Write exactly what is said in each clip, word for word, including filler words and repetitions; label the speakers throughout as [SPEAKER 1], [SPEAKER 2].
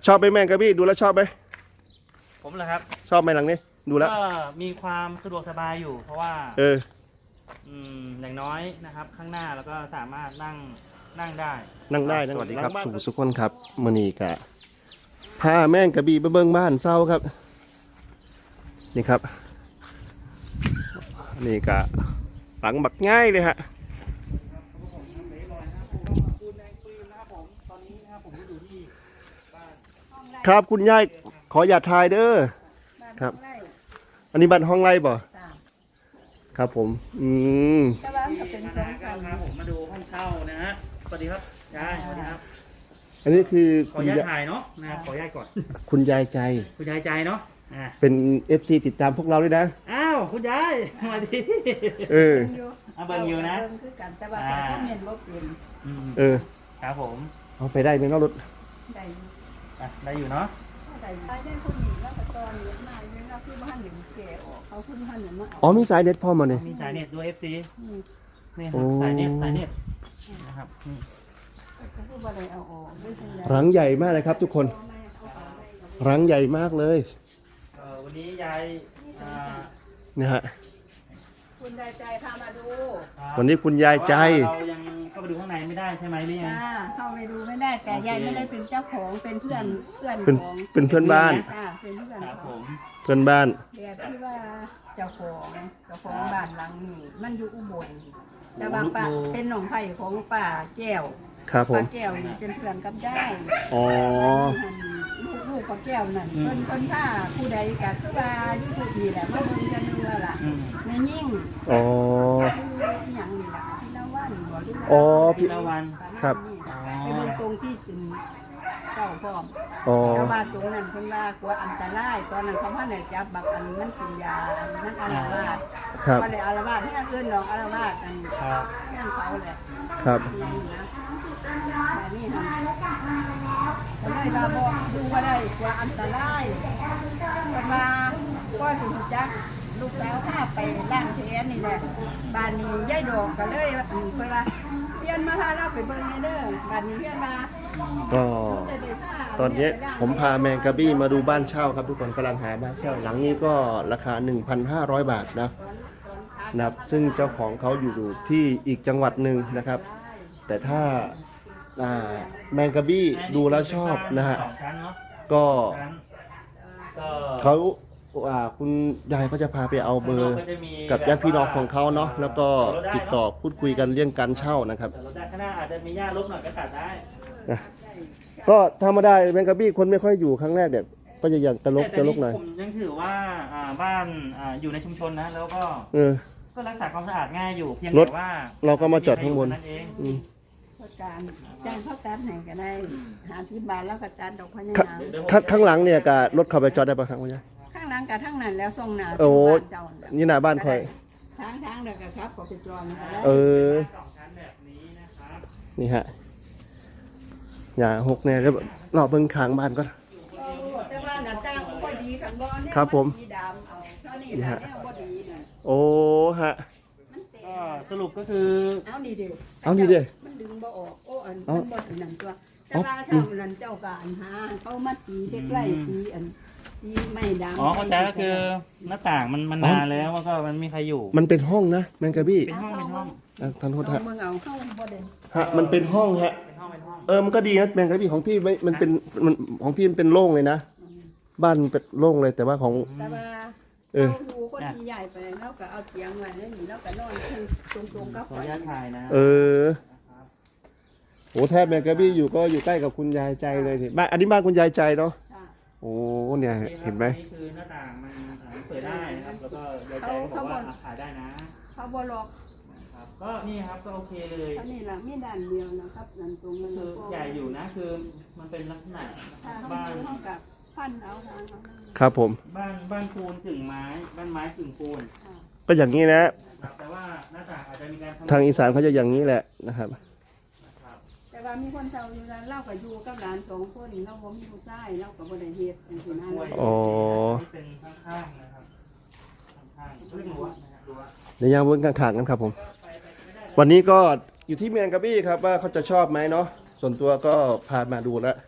[SPEAKER 1] ชอบไหมแมงกะบี้ดูแล้วชอบไหม
[SPEAKER 2] ผมเหรอครับ
[SPEAKER 1] ชอบไหมหลังนี้ดูแล้ว
[SPEAKER 2] ก็มีความสะดวกสบายอยู่ เพราะว่า
[SPEAKER 1] เออ
[SPEAKER 2] อืมอย่างน้อยนะครับข้างหน้าแล้วก็สามารถนั่งนั่งได้
[SPEAKER 1] นั่งได้สวัสดีครับสุสุขคนครับมื้อนี้กะพาแมงกะบี้ไปเบิ่งบ้านเศร้าครับนี่ครับนี่กะหลังบักง่ายเลยฮะครับคุณยายขออย่าทายเด้อครับอันนี้บ้านห้องไร่บ่ครับผมอืม
[SPEAKER 3] แต่ว่าจะเป็นสอง
[SPEAKER 2] ครั
[SPEAKER 3] ชั้
[SPEAKER 2] บ
[SPEAKER 3] น
[SPEAKER 2] ผมมาดูห้องเช่านะฮะสวัสดีครับยายสวัสดีครับ
[SPEAKER 1] อันนี้คือ
[SPEAKER 2] ขออนุญาตถ่ายเนาะนะขออนุญาตก่อน
[SPEAKER 1] คุณยายใจ
[SPEAKER 2] คุณยายใจเนาะอ่า
[SPEAKER 1] เป็น เอฟ ซี ติดตามพวกเราด้วยนะ
[SPEAKER 2] อ้าวคุณยายสวัสดี
[SPEAKER 1] เออ
[SPEAKER 2] เอาเบิ่งอยู่นะ
[SPEAKER 3] เบิ่งคือกันแต่ว่าเป็นคอมเมนต์บ่เป็น
[SPEAKER 1] เออ
[SPEAKER 2] ครับผม
[SPEAKER 1] เอาไปได้ไหมเนาะรถ
[SPEAKER 3] ได้
[SPEAKER 2] อ่ะได้อยู่เนาะ
[SPEAKER 3] ได้ได้ได้คนนี้แล้วก็ตอนนี้มาเนี่ยเราคือบ้านหนึ่งแก่ออกเขาขึ้นบ้านหนึ่งมา
[SPEAKER 1] อ๋อมีสายเน็ตพร้อมมาเนี่ย
[SPEAKER 2] มีสายเน็ตด้วย เอฟ ซี นี่ครับสายเน็ตสายเน็ตนะครับ
[SPEAKER 1] รังใหญ่มากเลยครับทุกคนรังใหญ่มากเลย
[SPEAKER 2] วันนี้ยาย
[SPEAKER 1] นะฮะ
[SPEAKER 3] คุณยายใจพามาดู
[SPEAKER 1] วันนี้คุณยายใจ
[SPEAKER 2] เรายังเข้าไปดูข้างในไม่ได้ใช่ไหมหรือยัง
[SPEAKER 3] เข้าไปดูไม่ได้แต่ยายไม่ได้เป็นเจ้าของเป็นเพื่อนเพื่อนของ
[SPEAKER 1] เป็นเพื่อนบ้าน
[SPEAKER 3] เป็นเพื่อนของ
[SPEAKER 1] เพื่อนบ้าน
[SPEAKER 3] เดี๋ยวที่ว่าเจ้าของเจ้าของบ้านหลังนี้มันอยู่อุบลแต่ว่าป้าเป็นหนองไผ่ของป้าแก้ว
[SPEAKER 1] ครับผม
[SPEAKER 3] ป้าแก้วนี่เป็นเพื่อนกับได้
[SPEAKER 1] อ๋อ
[SPEAKER 3] ลูกลูกป้าแก้วนั่นเพิ่นเพิ่นถ้าผู้ใดก็คือว่าอยู่ผู้ดีแหละมาเบิ่งกันดูล่ะแม่ยิ่ง
[SPEAKER 1] อ๋อ
[SPEAKER 3] คือหยังนี่ล่ะพี่ละวันบ่ดู
[SPEAKER 1] อ๋อ
[SPEAKER 2] พี่ละวัน
[SPEAKER 1] ครับ
[SPEAKER 3] ไปเบิ่งตรงที่เป็นเจ้าพร้อม
[SPEAKER 1] อ๋อ
[SPEAKER 3] แต่ว่าตรงนั้นเพิ่นว่ากลัวอันตรายตอนนั้นเขาพาได้จับบักอันมันกินยาอันนั้นอาละวาด
[SPEAKER 1] ครับ
[SPEAKER 3] บ่ได้อาละวาดที่อันอื่นดอกอาละวาดอันนั่นเขาแหละ
[SPEAKER 1] ครับ
[SPEAKER 3] แบบนี้ค่ะทำไมบาบอกดูว่าได้กว่าอันตรายกันมาก็สิจักลูกสาวพาไปล้างแผลนี่แหละบ้านนี้ยายดอกก็เลยว่าเพิ่นว่าเพี้ยนมาพาเราไปเบิ่งในเด้อบ้านนี้เพี้ยนมา
[SPEAKER 1] ก็ตอนนี้ผมพาแมงกะบี้มาดูบ้านเช่าครับทุกคนกำลังหาบ้านเช่าหลังนี้ก็ราคา หนึ่งพันห้าร้อย บาทนะนะครับซึ่งเจ้าของเขาอยู่ที่อีกจังหวัดหนึ่งนะครับ แต่ถ้าแมงกะบี้ดูแล้วชอบนะฮะก็เขาคุณยายก็จะพาไปเอาเบอร์กับญาติพี่น้องของเขาเนาะแล้วก็ติดต่อพูดคุยกันเรื่องการเช่านะครับ
[SPEAKER 2] ข้างหน้าอาจจะมีหญ้าลบหน่อยก็ตัดได้
[SPEAKER 1] ก็ธรรมดาแมงกะบี้คนไม่ค่อยอยู่ครั้งแรกเนี่ยก็จะอย่างตลกตลกหน่อย
[SPEAKER 2] ผมยังถือว่าบ้านอยู่ในชุมชนนะแล้วก็ก็รักษาความสะอาดง่ายอยู่เพียงแต่ว่า
[SPEAKER 1] เราก็มาจอดข้างบน
[SPEAKER 3] การจ้างเขาตัดให้ก็ได้หาที่บ้านแล้วก็ตัดดอกพญา
[SPEAKER 1] ข้างหลังเนี่ยกับรถเข้าไปจอดได้ปะครับคุณยาย
[SPEAKER 3] ข้างหลังกับทั้งนั้นแล้วส่งหน้า
[SPEAKER 1] โอ้นี่หน้าบ้านคอย
[SPEAKER 3] ทางทางเด็กครับก็ไปจอด
[SPEAKER 1] เออนี่ฮะอย่าหกเนี่ยแล้วรอเบิ้งขางบ้านก็ครับผมนี่ฮะโอ้ฮะ
[SPEAKER 2] ก็สรุปก็คือ
[SPEAKER 3] เอาดีเดียว
[SPEAKER 1] เอาดีเดียว
[SPEAKER 3] มันดึงบ่ออกโอ้อันมันบ่ถึงนั่นตัวแต่ว่าทำนั่นเจ้าการหาเขามาตีใกล้ๆตีอันตีไม่ดัง
[SPEAKER 2] อ๋อเข้าใจก็คือหน้าต่างมันมันนานแล้วก็มันมีใครอยู่
[SPEAKER 1] มันเป็นห้องนะแมงกะบี้
[SPEAKER 2] เป็นห้องเป็นห้อง
[SPEAKER 1] ท่านโทษฮะ
[SPEAKER 3] ฮะ
[SPEAKER 1] มันเป็นห้องฮะเออมันก็ดีนะแมงกะบี้ของพี่ไม่มันเป็นมันของพี่มันเป็นโล่งเลยนะบ้านเป็นโล่งเลยแต่ว่าของ
[SPEAKER 3] เออดูคนที่ใหญ่ไปแล้วก็เอาเตียงไว้แล้วนี่แล้วก็นอนตรงๆก็
[SPEAKER 2] ขออนุญาตถ่ายนะ
[SPEAKER 1] เออโอ้แทบแมงกะบี้อยู่ก็อยู่ใกล้กับคุณยายใจเลยทีบ้านอันนี้บ้านคุณยายใจเนาะโอ้เนี่ยเห็นไหม
[SPEAKER 2] นี่คือหน้าต่างมันเปิดได้นะครับแล้วก็ยายใจบอกว่าถ่ายได้นะ
[SPEAKER 3] เขาบล็อก
[SPEAKER 2] ก็นี่ครับก็โอเคเลย
[SPEAKER 3] นี่แหละมีด้านเดียวนะครับนั่นตรงนั้น
[SPEAKER 2] คือใหญ่อยู่นะคือมันเป็นลักษณะบ้าน
[SPEAKER 3] กับพันเอา
[SPEAKER 1] ครับผม
[SPEAKER 2] บ้านบ้านปูนกึ่งไม้บ้านไม้กึ่งปูน
[SPEAKER 1] ก็อย่างนี้นะ
[SPEAKER 2] แต่ว่าหน้าต่างอาจจะมีการ
[SPEAKER 1] ทางอีสานเขาจะอย่างนี้แหละนะครับ
[SPEAKER 3] แต่ว่ามีคนเช่าอยู่แล้วเล่ากับอยู่กับหลานสองคนเล่าว่ามีผู้ชายเล่ากับบริเฮ็ดอย่างนี้นะ
[SPEAKER 1] อ๋อ
[SPEAKER 2] เป็นข้างๆนะครับข้างๆเรื่องรั้วนะครับรั้ว
[SPEAKER 1] ในยามบนข้างๆกันครับผมวันนี้ก็อยู่ที่แมงกะบี้ครับว่าเขาจะชอบไหมเนาะส่วนตัวก็พามาดูแล้ว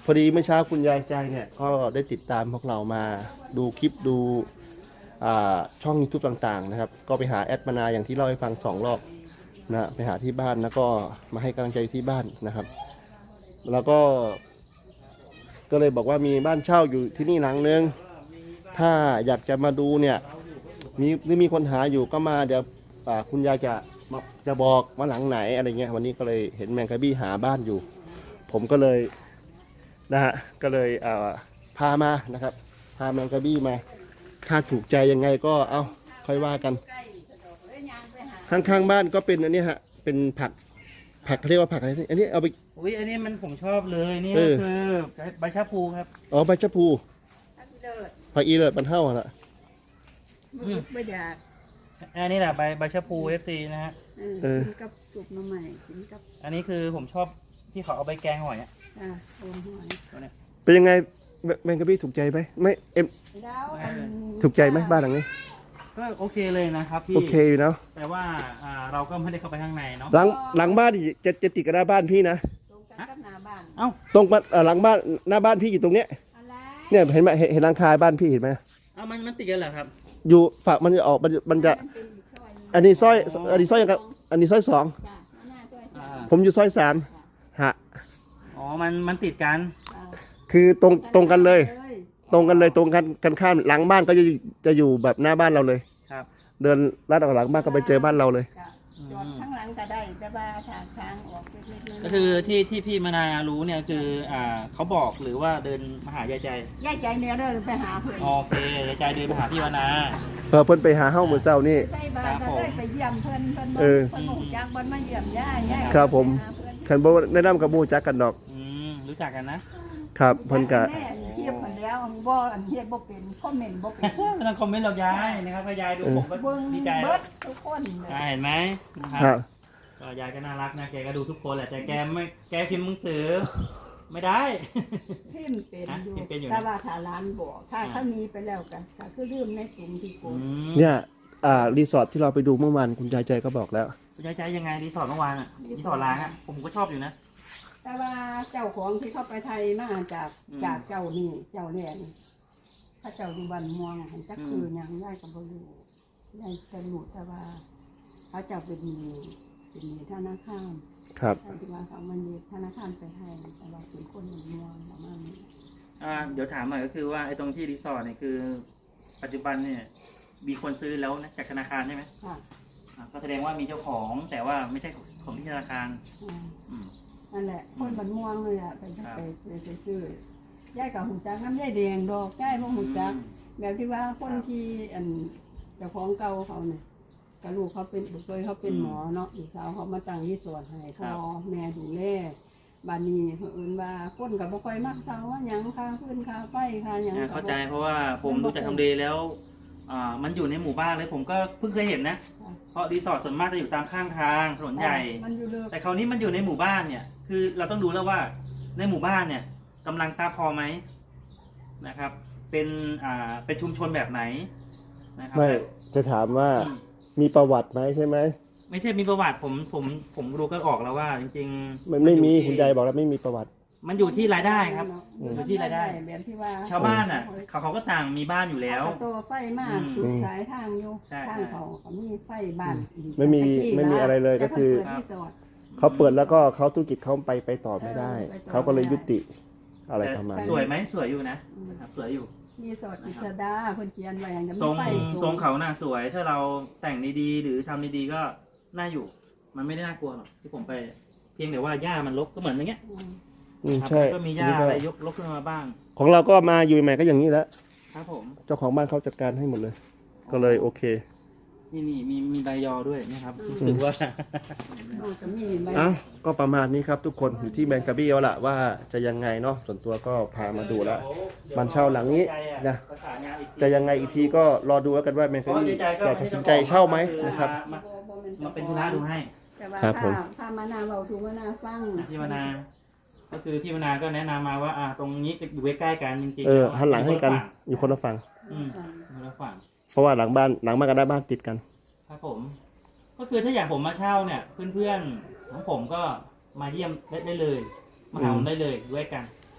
[SPEAKER 1] พอดีเมื่อเช้าคุณยายใจเนี่ยก็ได้ติดตามพวกเรามาดูคลิปดูอ่าช่อง YouTube ต่างๆนะครับก็ไปหาแอดมานาอย่างที่เล่าให้ฟังสองรอบนะไปหาที่บ้านแล้วก็มาให้กำลังใจที่บ้านนะครับ แล้วก็ก็เลยบอกว่ามีบ้านเช่าอยู่ที่นี่หลังนึงถ้าอยากจะมาดูเนี่ยมีหรือมีคนหาอยู่ก็มาเดี๋ยวอ่าคุณยายจะมาจะบอกว่าหลังไหนอะไรเงี้ยวันนี้ก็เลยเห็นแมงกะบี้หาบ้านอยู่ ผมก็เลยนะฮะก็เลยอ่าพามานะครับพาแมงกะบี้มาถ้าถูกใจยังไงก็เอาค่อยว่ากัน
[SPEAKER 3] ใกล้สะดวกเลยยางไปหา
[SPEAKER 1] ข้างๆบ้านก็เป็นอันนี้ฮะเป็นผักผักเขาเรียกว่าผักอะไรนี่อันนี้เอาไป
[SPEAKER 2] อุ้ยอันนี้มันผมชอบเลยนี่
[SPEAKER 1] เอ
[SPEAKER 2] ก็
[SPEAKER 1] อ
[SPEAKER 2] คือใบชะพูครับ
[SPEAKER 1] อ๋อใบชะพู
[SPEAKER 3] ถ้าเลิศ
[SPEAKER 1] ผักอีเลิศมันเท่าอะละ
[SPEAKER 3] มือไม่อยาก
[SPEAKER 2] อันนี้แหละใบใบชะพูเอฟซีนะฮะ
[SPEAKER 3] เออกินกับสุกน้ำใหม่กินกับ
[SPEAKER 2] อันนี้คือผมชอบที่เขาเอาไปแกงหอยอ่ะ
[SPEAKER 3] อ่าโอนหอย
[SPEAKER 2] ตัวเนี้ย
[SPEAKER 1] เป็นยังไงแมแมงกะบี้ถูกใจไหมไม่เอ็ม
[SPEAKER 3] แล้วอัน
[SPEAKER 1] ถูกใจไหมบ้านหลังนี้
[SPEAKER 2] ก็โอเคเลยนะครับพี่
[SPEAKER 1] โอเคอยู่เนาะ
[SPEAKER 2] แต่ว่าอ่าเราก็ไม่ได้เข้าไปข้างในเนาะ
[SPEAKER 1] หลังหลังบ้านนี่จะจะติดกับหน้าบ้านพี่นะ
[SPEAKER 3] ตรงกันกับหน้าบ้าน
[SPEAKER 2] เอ้า
[SPEAKER 1] ตรงบ้านเอ่อหลังบ้านหน้าบ้านพี่อยู่ตรงเนี้ย
[SPEAKER 3] อะไร
[SPEAKER 1] เนี่ยเห็นไหมเห็นเห็นหลังคาบ้านพี่เห็นไหม
[SPEAKER 2] เอ้ามันมันติดกันเหรอครับ
[SPEAKER 1] อยู่ฝั่งมันจะออกมันมันจะ
[SPEAKER 3] มันเป็นอีกซอยหนึ่ง
[SPEAKER 1] อันนี้ซอยอันนี้ซอยยังกับอันนี้ซอยสอง
[SPEAKER 3] จ้ะหน้าซอยสา
[SPEAKER 2] อ่า
[SPEAKER 3] ม
[SPEAKER 1] ผมอยู่ซอยสามฮะ
[SPEAKER 2] อ๋อมันมันติดกัน
[SPEAKER 3] อ่า
[SPEAKER 1] คือตรงตรงกันเลย ตรงกันเลยตรงกันกันข้ามหลังบ้านก็จะจะอยู่แบบหน้าบ้านเราเลย
[SPEAKER 2] ครับ
[SPEAKER 1] เดินลัดออกหลังบ้านก็ไปเจอบ้านเราเลย
[SPEAKER 3] จ้ะจอดข้างหลังก็ได้แต่ว่าทางทางออกไปนิดนึง
[SPEAKER 2] ก็คือที่ที่พี่มนารู้เนี่ยคืออ่าเขาบอกหรือว่าเดินมาหายายใจ
[SPEAKER 3] ย่ายใจเนี่ยเด้อไปหาเพื่อน
[SPEAKER 2] โอเคยายใจเดินมาหาพี่มนา
[SPEAKER 1] เออเพิ่นไปหาเฮ้ามือเศร้านี่
[SPEAKER 3] ใส่บาตรก็ได้ไปเยี่ยมเพื่อนเพื่อน
[SPEAKER 1] เออ
[SPEAKER 3] เพื่อนบอกจักบนมาเยี่ยมย่าย่า
[SPEAKER 1] ครับผม
[SPEAKER 3] ไปหาเพื่อน
[SPEAKER 1] คันบ่แนะนำกับหมู่จักกันดอก
[SPEAKER 2] อืมรู้จักกันนะครับ
[SPEAKER 1] เพิ่นก็
[SPEAKER 3] แม่เทียบกันแล้วบ่อันเทียบบ่เป็นคอมเมนต์บ่เป็น
[SPEAKER 2] ไม่ต้องคอมเมนต์เรายายนะครับถ้ายายดูผมก็
[SPEAKER 3] เบิ่ง
[SPEAKER 2] ดีใจ
[SPEAKER 3] เบิ
[SPEAKER 2] แล้ว
[SPEAKER 3] ดทุกคนเลย
[SPEAKER 2] ยายเห็นไหมนะค
[SPEAKER 1] ครั
[SPEAKER 2] รับบ ก็ยายก็น่ารักนะแกก็ดูทุกคนแหละแต่แกไม่แกพิมพ์มือถือไม่ได้
[SPEAKER 3] พิมพ์เป็นอยู่
[SPEAKER 2] พิมพ์เป็นอยู่นะ
[SPEAKER 3] แต่ว่าถ้าร้านบอกถ้าถ้ามีไปแล้วกันก็คือลืมในกลุ่มที่ก
[SPEAKER 2] อื
[SPEAKER 3] ลุ่ม
[SPEAKER 2] ม
[SPEAKER 1] เนี่ยอ่ารีสอร์ทที่เราไปดูเมื่อวานคุณยายใจก็บอกแล้ว
[SPEAKER 2] ยายใจยังไงรีสอร์ทเมื่อวานอ่ะรีสอร์ทล้างอ่ะผมก็ชอบอยู่นะ
[SPEAKER 3] แต่ว่าเจ้าของที่เข้าไปไทยมาจาก
[SPEAKER 2] อืม
[SPEAKER 3] จากเจ้านี่เจ้าแน่นี่ถ้าเจ้าดูบันม่วงหันจักคือหยังได้กับบรูได้จะรู้แต่ว่าเขาเจ้าเป็นมีเป็นมีธนาคาร
[SPEAKER 1] ครับ
[SPEAKER 3] ถ้าที่ว่าเขามันมีธนาคารไปให้แต่เราเป็นคนม่วงประมาณนี้
[SPEAKER 2] อ่าเดี๋ยวถามหน่อยก็คือว่าไอ้ตรงที่รีสอร์ทเนี่ยคือ ปัจจุบันเนี่ยมีคนซื้อแล้วนะจากธนาคารใช่ไหม
[SPEAKER 3] ค่ะ
[SPEAKER 2] อ่าก็แสดงว่ามีเจ้าของแต่ว่าไม่ใช่ของที่ธนาคาร
[SPEAKER 3] อ่า
[SPEAKER 2] อืม
[SPEAKER 3] นั่นแหละคนบันม่วงเลยอ่ะไป
[SPEAKER 2] ครับ
[SPEAKER 3] ไปไปไปซื้อย่ายกับหุ่นจักน้ำย่ายแดงดอกย่ายพวกหุ่นจัก แบบที่ว่าคนที่อันเจ้าของเก่าเขาเนี่ยกับลูกเขาเป็นบุตรเขาเป็นหมอเนาะลูกสาวเขามาตั้งยี่สวนให้พ่อแม่ดูแลบานนี้เพิ่นว่าคนกับบ่ค่อยมักเซาว่าหยังค่าพื้นค่าไฟค่าหยัง
[SPEAKER 2] อ่า
[SPEAKER 3] ก็บ่
[SPEAKER 2] เข้าใจเพราะว่าผมดูจากทำเลแล้วอ่ามันอยู่ในหมู่บ้านเลยผมก็เพิ่งเคยเห็นนะ เพราะรีสอร์ทส่วนมากจะอยู่ตามข้างทางถนนใหญ่
[SPEAKER 3] มันอยู่เลิก
[SPEAKER 2] แต่คราวนี้มันอยู่ในหมู่บ้านเนี่ย คือเราต้องดูแล้วว่าในหมู่บ้านเนี่ยกำลังทรัพย์พอไหมนะครับ เป็นอ่าเป็นชุมชนแบบไหนนะครับ
[SPEAKER 1] ไม่จะถามว่า
[SPEAKER 2] อืม
[SPEAKER 1] มีประวัติไหมใช่ไหม
[SPEAKER 2] ไม่ใช่มีประวัติผมผมผมรู้ก็ออกแล้วว่า จริงๆ
[SPEAKER 1] มันไม่มี
[SPEAKER 2] อยู่ที่
[SPEAKER 1] คุณยายบอกแล้วไม่มีประวัติ
[SPEAKER 2] มันอยู่ที่รายได้ครับ
[SPEAKER 3] อยู่
[SPEAKER 2] อยู่ที่รายได้
[SPEAKER 3] แบบที่ว่า
[SPEAKER 2] ชาวบ้านอ่ะเขาเขาก็ต่างมีบ้านอยู่แล้ว
[SPEAKER 3] เอาตัวไฟมาสุดสายทางอยู่
[SPEAKER 2] ใช่
[SPEAKER 3] ทางเขาเขามีไฟบ้าน
[SPEAKER 1] ไม่มีไม่มีอะไรเลยก็คือ
[SPEAKER 3] แต่เพิ่นเปิดรีสอร์ท
[SPEAKER 1] เขาเปิดแล้วก็เขาธุรกิจเขาไปไปต่อไม่ได้
[SPEAKER 3] เออไปต่อ
[SPEAKER 1] เขาก็เลย
[SPEAKER 3] ไม่ได้
[SPEAKER 1] ยุติอะไรประมาณ
[SPEAKER 3] แต่
[SPEAKER 2] ส
[SPEAKER 1] นี้
[SPEAKER 2] วยไหมสวยอยู่นะนะครับสวยอยู่
[SPEAKER 3] รีสอร์ทอิสดาเพิ่นเขียนไว้อย่างจะ
[SPEAKER 2] ทรง
[SPEAKER 3] ไฟ
[SPEAKER 2] ทรงเขาน่ะสวย ถ้าเราแต่งดีๆหรือทำดีๆก็น่าอยู่ มันไม่ได้น่ากลัวหรอกที่ผมไป เพียงแต่ว่าหญ้ามันรกก็เหมือนอย่างเงี้ย
[SPEAKER 3] อืม
[SPEAKER 1] อืม
[SPEAKER 2] ครับ
[SPEAKER 1] ใช่
[SPEAKER 2] ก็มีหญ้า
[SPEAKER 1] นี่ก็
[SPEAKER 2] อะไรยกรกขึ้นมาบ้าง
[SPEAKER 1] ของเราก็มาอยู่ใหม่ก็อย่างนี้แหล้ว
[SPEAKER 2] ครับผม
[SPEAKER 1] เจ้าของบ้านเขาจัดการให้หมดเลย ก็เลยโอเค
[SPEAKER 2] นี่นี่มีมีใบยอด้วยนะครับรู้สึกว่า
[SPEAKER 3] นอกจากมีใบ
[SPEAKER 1] เอ้าก็ประมาณนี้ครับทุกคนอยู่ที่แมงกะบี้แล้วล่ะว่าจะยังไงเนาะส่วนตัวก็พามาดูแล้วบ้านเช่าหลังนี้นะ
[SPEAKER 2] ประสานงานอีกที
[SPEAKER 1] จะยังไงอีกทีก็รอดูแล้วกันว่าแมงกะบี้จะตัดสินใจเช่าไหมนะครับ
[SPEAKER 2] มามาเป็นธุระดูให้
[SPEAKER 3] แต่ว่า
[SPEAKER 1] ครับผม
[SPEAKER 3] ถ้าถ้ามานาเบาถูมานาฟัง
[SPEAKER 2] พี่มนา ก็คือพี่มนาก็แนะนำมาว่าอ่าตรงนี้อยู่ใกล้ๆกันจริงๆ
[SPEAKER 1] เออ
[SPEAKER 2] แล้ว
[SPEAKER 1] หันหลังให้กัน
[SPEAKER 2] ค
[SPEAKER 1] อยู่คนละฝั่ง
[SPEAKER 2] อืมคนละฝั่ง
[SPEAKER 1] เพราะว่าหลังบ้านหลังบ้านกับหน้าบ้านติดกัน
[SPEAKER 2] ครับผม ก็คือถ้าอยากผมมาเช่าเนี่ย เพื่อนๆของผมก็มาเยี่ยมได้ได้เลย มาหาผมได้เลยด้วยกัน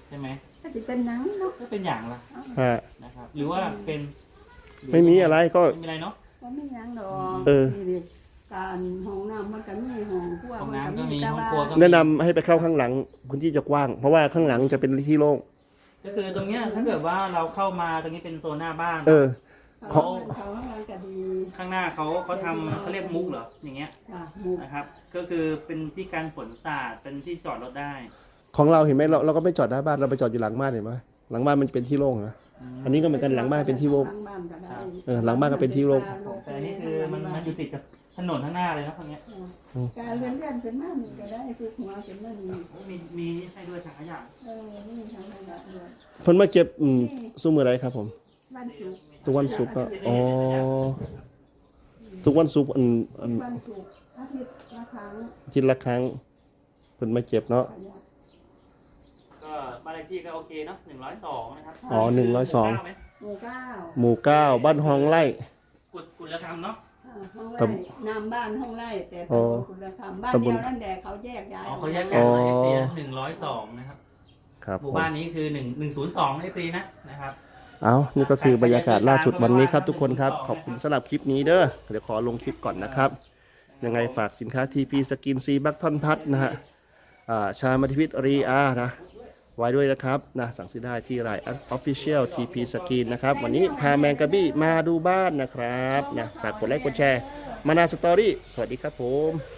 [SPEAKER 2] ใช่ไหม
[SPEAKER 3] ก็จะเป็นหนังเนาะ
[SPEAKER 2] ก็เป็นอย่างละ
[SPEAKER 1] ฮะ
[SPEAKER 2] นะครับหรือว่าเป็นห
[SPEAKER 1] ไม่มีอะไรก็
[SPEAKER 2] ไม่มีอะไรเนาะ
[SPEAKER 3] ก็ไม่หยังดอก
[SPEAKER 1] เออ
[SPEAKER 3] นี่การห้องน้ำมันก็มีห้องครัว
[SPEAKER 2] ห้อง
[SPEAKER 3] มัน
[SPEAKER 2] น้ำ
[SPEAKER 3] ก็
[SPEAKER 2] ก็
[SPEAKER 3] มี
[SPEAKER 2] มี
[SPEAKER 3] แต่
[SPEAKER 2] ห้อง
[SPEAKER 3] ว่า
[SPEAKER 2] ครัวก็มี
[SPEAKER 1] แนะนำให้ไปเข้าข้างหลังพื้นที่จะกว้าง เพราะว่าข้างหลังจะเป็นที่โล่ง
[SPEAKER 2] ก็คือตรงเนี้ยถ้าเกิดว่าเราเข้ามาตรงนี้เป็นโซนหน้าบ้าน
[SPEAKER 1] เออ
[SPEAKER 3] เขาเขาห้องน้ำก็ดี
[SPEAKER 2] ข้างหน้าเขาเขาทำเขาเรียกมุกเหรออย่างเงี้ย
[SPEAKER 3] ค่ะหมู่
[SPEAKER 2] นะครับ ก็คือเป็นที่การฝนสาดเป็นที่จอดรถได้
[SPEAKER 1] ของเราเห็นไหมเราเราก็ไม่จอดหน้าบ้านเราไปจอดอยู่หลังบ้านเห็นไหมหลังบ้านมันจะเป็นที่โล่งนะ อันนี้ก็เหมือนกันหลังบ้านเป็นที่โล่ง
[SPEAKER 3] หลังบ้านก็ได้
[SPEAKER 1] เออหลังบ้านก็เป็นที่โล่ง
[SPEAKER 2] แต่อันนี้คือมันมันอยู่ติดกับถนนข้างหน้าเลยนะพวกเนี้ย
[SPEAKER 3] การเลื่อนเลื่อนเป็นมามีก็ได้ทุกหัวเป็นมามี
[SPEAKER 2] โอ้มีมีนี่ให้ด้วยถังขยะ
[SPEAKER 3] เออนี่ทางระดับเดือน
[SPEAKER 1] เพิ่นมาเก็บอืมซุ้มมืออะไรครับผม
[SPEAKER 3] บ้านจุก
[SPEAKER 1] ทุกวันศุกร์ก็อ๋อทุกวันศุกร์อันอัน
[SPEAKER 3] บ้านจุกอาทิตย์ละครั้ง
[SPEAKER 1] อาทิตย์ละครั้งเพิ่นมาเก็บเนาะ
[SPEAKER 3] ขยะ
[SPEAKER 2] ก็บ้านเลขที่ก็โอเคเนาะหนึ่งร้อยสองนะครับ
[SPEAKER 1] อ๋อหนึ่งร้อยสอง
[SPEAKER 2] ไหม
[SPEAKER 3] หมู่เก้า
[SPEAKER 1] หมู่เก้าบ้านฮองไร่
[SPEAKER 2] กุดกุดละคำเนาะ
[SPEAKER 3] อ่าห้อง
[SPEAKER 1] ต
[SPEAKER 3] ไร่นามบ้านห้องไร่แต่ตำบลคุณธรรมบ้าน
[SPEAKER 1] ตำบ
[SPEAKER 3] เดี
[SPEAKER 1] ล
[SPEAKER 3] ยวนั่นแหละเขาแยกย้าย
[SPEAKER 2] อ๋อ
[SPEAKER 3] ออก
[SPEAKER 2] เขาแยก
[SPEAKER 3] ม
[SPEAKER 2] กันเลยเอฟซีหนึ่งร้อยสองนะครับ
[SPEAKER 1] ครับ
[SPEAKER 2] ห
[SPEAKER 1] ผ
[SPEAKER 2] มู่
[SPEAKER 1] ม
[SPEAKER 2] บ้านนี้คือหนึ่งหนึ่งศูนย์สองเอฟซีนะนะครับ
[SPEAKER 1] เอานี่ก็คือบรรยากาศล่าสุดวันนี้ครับทุกคนครับ ขอบคุณสำหรับคลิปนี้เด้อ เดี๋ยวขอลงคลิปก่อนนะครับ ยังไงฝากสินค้า ที พี สกินซีบัคทอนพัทนะฮะอ่าชามาทิพิตรีอานะ ไว้ด้วยนะครับนะสั่งซื้อได้ที่ไลน์ Official ที พี Skin นะครับ วันนี้พาแมงกะบี้มาดูบ้านนะครับนะฝากกดไลค์กดแชร์ มานาสตอรี่ สวัสดีครับผม